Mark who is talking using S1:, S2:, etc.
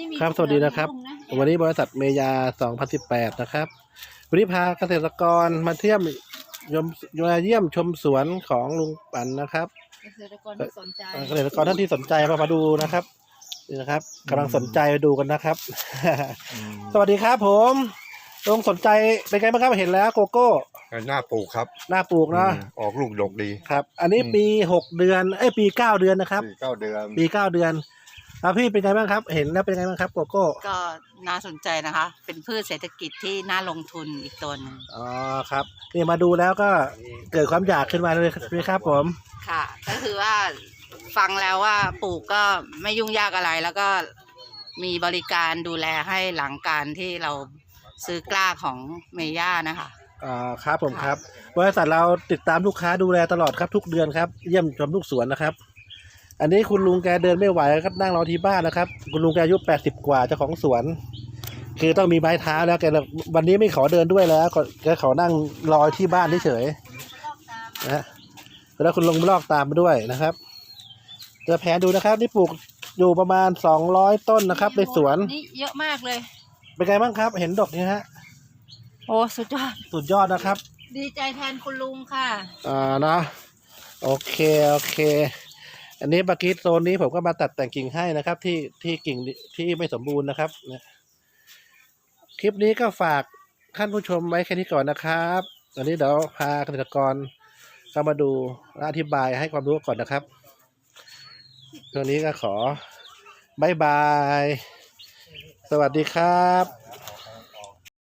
S1: ครับสวัสดีนะครับวันนี้บริษัทเมยา2018นะครับวันนี้พาเกษตรกรมาเที่ยวมาเยี่ยมชมสวนของลุงปั่นนะครับ
S2: เกษตรกรที่สนใจ
S1: เกษตรกรท่านที่สนใจมาดูนะครับนี่นะครับกำลังสนใจดูกันนะครับสวัสดีครับผมลุงสนใจเป็นไงบ้างครับเห็นแล้วโกโก้
S3: หน้าปลูกครับ
S1: หน้าปลูกเนาะ
S3: ออกลูกดกดี
S1: ครับอันนี้ปี6 เดือนปี9 เดือนนะครับ
S3: ปี 9 เดือน
S1: ครับพี่เป็นไงบ้างครับเห็นแล้วเป็นไงบ้างครับโกโก้
S2: ก็น่าสนใจนะคะเป็นพืชเศรษฐกิจที่น่าลงทุนอีกตัวนึง
S1: อ๋อครับนี่มาดูแล้วก็เกิดความอยากขึ้นมาเลยครับผม
S2: ค่ะก็คือว่าฟังแล้วว่าปลูกก็ไม่ยุ่งยากอะไรแล้วก็มีบริการดูแลให้หลังการที่เราซื้อกล้าของเมย่านะคะ
S1: ครับผมครับบริษัทเราติดตามลูกค้าดูแลตลอดครับทุกเดือนครับเยี่ยมชมทุกสวนนะครับอันนี้คุณลุงแกเดินไม่ไหวครับนั่งรอที่บ้านนะครับคุณลุงแกอายุ80 กว่าเจ้าของสวนคือต้องมีไม้เท้าแล้วแกวันนี้ไม่ขอเดินด้วยแล้วแกขอนั่งรอที่บ้านเฉยๆนะแล้วคุณลุงลอกตามมาด้วยนะครับจะแผนดูนะครับนี่ปลูกอยู่ประมาณ200 ต้นนะครับในสวน
S2: นี่เยอะมากเลย
S1: เป็นไงบ้างครับเห็นดอกนี้ฮะ
S2: โอ้สุดยอด
S1: นะครับ
S2: ดีใจแทนคุณลุงค่ะ
S1: นะโอเคอันนี้บากิโซนนี้ผมก็มาตัดแต่งกิ่งให้นะครับที่กิ่งที่ไม่สมบูรณ์นะครับคลิปนี้ก็ฝากท่านผู้ชมไว้แค่นี้ก่อนนะครับอันนี้เดี๋ยวพาเกษตรกรเข้ามาดูและอธิบายให้ความรู้ก่อนนะครับตรงนี้ก็ขอบายบายสวัสดีครับ